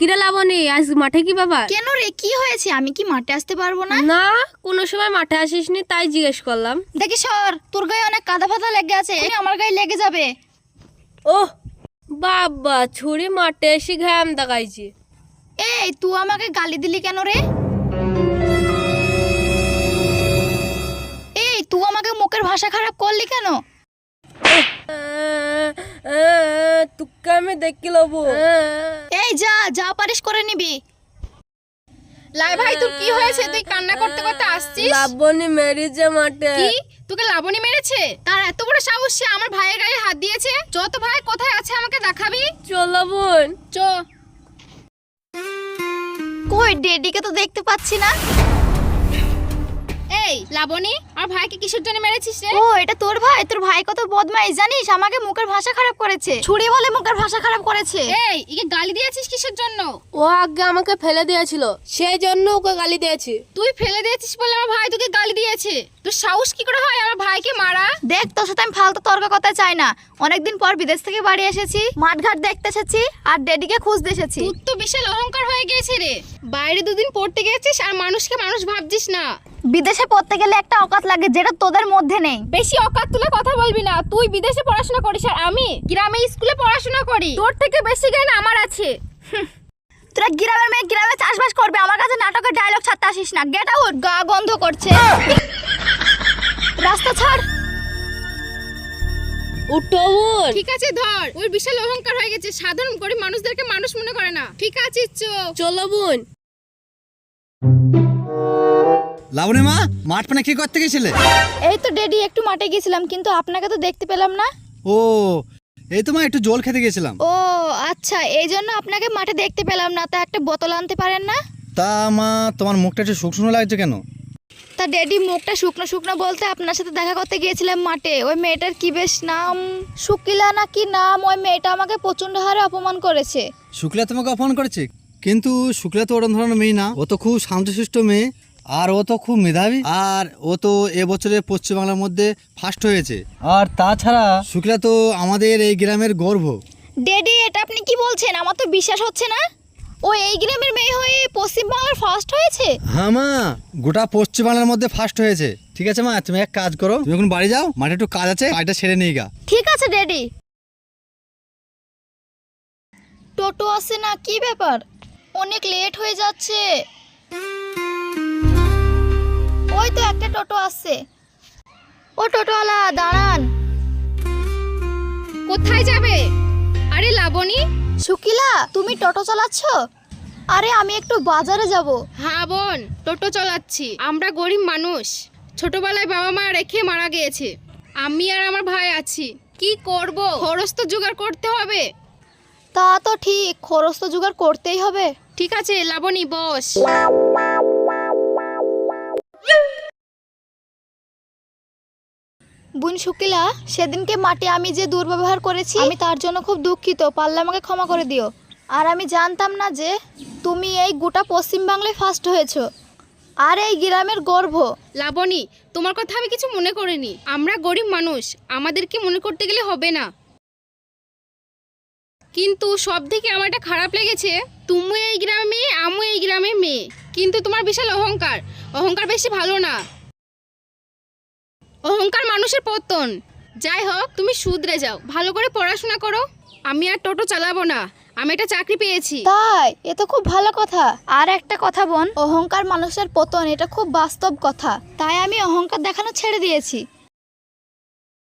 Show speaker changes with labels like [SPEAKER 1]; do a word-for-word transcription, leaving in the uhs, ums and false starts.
[SPEAKER 1] কিরে লাবণী, আজ মাঠে কি বাবা?
[SPEAKER 2] কেন রে, কি হয়েছে? আমি কি মাঠে আসতে পারবো না?
[SPEAKER 1] না, কোনো সময় মাঠে আসিসনি, তাই জিজ্ঞেস করলাম।
[SPEAKER 2] দেখি সর, তোর গায়ে অনেক কাদা ফাদা লেগে আছে, আমার গায়ে লেগে যাবে।
[SPEAKER 1] ওহ বাবা, ছুরি মাঠে এসে ঘাম দেখাইছি।
[SPEAKER 2] এই তুই আমাকে গালি দিলি কেন রে? এই তুই আমাকে মুখের ভাষা খারাপ করলি কেন?
[SPEAKER 1] তুকে আমি দেখি লবো।
[SPEAKER 2] এই যা যা পারিস করে নিবি।
[SPEAKER 3] লাই ভাই, তোর কি হয়েছে? তুই কান্না করতে করতে আসছিস?
[SPEAKER 1] লাবণী মেরেছে মাঠে।
[SPEAKER 3] কি? তোকে লাবণী মেরেছে? তার এত বড় সাহস, সে আমার ভাইয়ের গায়ে হাত দিয়েছে? যত ভাই কোথায় আছে আমাকে দেখাবি।
[SPEAKER 1] চলো বোন,
[SPEAKER 3] চ।
[SPEAKER 2] কই ডেডিকে তো দেখতে পাচ্ছি না।
[SPEAKER 3] এই লাবণী, আর ভাইকে কিসের জন্য মেরেছিস রে?
[SPEAKER 2] ও এটা তোর ভাই? তোর ভাই কত বদমাইশ জানিস, আমাকে মুখের ভাষা খারাপ করেছে, ছুরি বলে মুখের ভাষা খারাপ করেছে।
[SPEAKER 3] এই একে গালি দিয়েছিস কিসের জন্য?
[SPEAKER 1] ও আগে আমাকে ফেলে দিয়েছিল, সেই জন্য ওকে গালি দিয়েছি।
[SPEAKER 3] তুই ফেলে দিয়েছিস বলে আমার ভাই তোকে গালি দিয়েছে? তোর সাহস কি করে হয় আমার ভাইকে মারা?
[SPEAKER 2] দেখ, তোর সাথে আমি ফালতু তর্ক করতে চাই না। অনেকদিন পর বিদেশ থেকে বাড়ি এসেছি, মাঠঘাট দেখতে এসেছি আর ডেডিকে খুঁজতে এসেছি।
[SPEAKER 3] তোর তো বিশাল অহংকার হয়ে গিয়েছে রে। বাইরে দুদিন পড়তে গেছিস আর মানুষকে মানুষ ভাবছিস না।
[SPEAKER 2] বিদেশে পড়তে গেলে একটা অকাত লাগে, যেটা তোদের মধ্যে নেই।
[SPEAKER 3] বেশি অকাত তুলে কথা বলবি না। তুই বিদেশে পড়াশোনা করিস আর আমি গ্রামে স্কুলে পড়াশোনা করি। তোর থেকে বেশি জ্ঞান আমার আছে।
[SPEAKER 2] তোরা গ্রামের মেয়ে গ্রামে চাষবাস করবে, আমার কাছে নাটকের ডায়লগ ছাড়তে আসিস না। Get out. গা গন্ধ করছে। রাস্তা ছাড়।
[SPEAKER 1] উঠো বোন।
[SPEAKER 3] ঠিক আছে ধর। ওর বিশাল অহংকার হয়ে গেছে, সাধারণ গরিব মানুষদেরকে মানুষ মনে করে না। ঠিক আছে চ।
[SPEAKER 1] চলো বোন।
[SPEAKER 4] লাবণী মা, মাঠ পানে কি করতে গেছিলে?
[SPEAKER 2] এই তো ডেডি, একটু মাঠে গেছিলাম, কিন্তু আপনাকে তো দেখতে পেলাম না।
[SPEAKER 4] ও এই তো মা, একটু জল খেতে গেছিলাম।
[SPEAKER 2] ও আচ্ছা, এই জন্য আপনাকে মাঠে দেখতে পেলাম না। তা একটা বোতল আনতে পারেন না?
[SPEAKER 4] তা মা, তোমার মুখটা একটু শুকনো লাগছে কেন?
[SPEAKER 2] তা ডেডি, মুখটা শুকনো শুকনো বলতে আপনার সাথে দেখা করতে গিয়েছিলাম মাঠে। ওই মেয়েটার কি বেশ নাম, শুকিলা না কি নাম, ওই মেয়েটা আমাকে প্রচন্ড হারে অপমান করেছে।
[SPEAKER 4] শুক্লা তোমাকে অপমান করেছে? কিন্তু শুক্লা তো ওরকম ধরনের মেয়ে না, ও তো খুব শান্তশিষ্ট মেয়ে, আর ও তো খুব মেধাবী, আর ও তো এবছরে পশ্চিমবাংলার মধ্যে ফার্স্ট হয়েছে। আর তাছাড়া শুক্লা তো আমাদের এই গ্রামের গর্ব।
[SPEAKER 2] ডেডি, এটা আপনি কি বলছেন? আমার তো বিশ্বাস হচ্ছে না। ও এই গ্রামের মেয়ে হয়ে পশ্চিমবাংলার ফার্স্ট হয়েছে?
[SPEAKER 4] হ্যাঁ মা, গোটা পশ্চিমবাংলার মধ্যে ফার্স্ট হয়েছে। ঠিক আছে মা, তুমি এক কাজ করো, তুমি এখন বাড়ি যাও, মাঠে একটু কাজ আছে, কাজটা সেরে নিয়ে গা।
[SPEAKER 2] ঠিক আছে ডেডি। টোটো আসে না, কি ব্যাপার? অনেক লেট হয়ে যাচ্ছে। ওই তো একটা টোটো আসছে। ও টোটোওয়ালা দাঁড়ান।
[SPEAKER 3] কোথায় যাবে? আরে লাবণী।
[SPEAKER 2] শুকিলা, তুমি টোটো চালাচ্ছ? আরে আমি একটু বাজারে যাব।
[SPEAKER 3] হ্যাঁ বোন, টোটো চালাচ্ছি। আমরা গরিব মানুষ, ছোটবেলায় বাবা মা রেখে মারা গিয়েছে। আমি আর আমার ভাই আছি, কি করব? খরচ তো জোগাড় করতে হবে।
[SPEAKER 2] তা তো ঠিক, খরচ তো জোগাড় করতেই হবে।
[SPEAKER 3] ঠিক আছে লাবণী, বস।
[SPEAKER 2] বোন শুকিলা, সেদিনকে মাঠে আমি যে দুর্ব্যবহার করেছি, আমি তার জন্য খুব দুঃখিত। পারলে আমাকে ক্ষমা করে দিও। আর আমি জানতাম না যে তুমি এই গোটা পশ্চিম বাংলায় ফার্স্ট হয়েছো, আর এই গ্রামের গর্ব।
[SPEAKER 3] লাবণী, তোমার কথা আমি কিছু মনে করিনি। আমরা গরিব মানুষ, আমাদেরকে মনে করতে গেলে হবে না। কিন্তু সব থেকে আমার একটা খারাপ লেগেছে, তুমি এই গ্রামে মেয়ে, আমি এই গ্রামে মেয়ে, কিন্তু তোমার বিশাল অহংকার। অহংকার বেশি ভালো না, অহংকার মানুষের পতন। যাই হোক, তুমি শুধরে যাও, ভালো করে পড়াশোনা করো। আমি আর টোটো চালাবো না, আমি একটা চাকরি পেয়েছি।
[SPEAKER 2] তাই? এ তো খুব ভালো কথা। আর একটা কথা বোন, অহংকার মানুষের পতন, এটা খুব বাস্তব কথা। তাই আমি অহংকার দেখানো ছেড়ে দিয়েছি।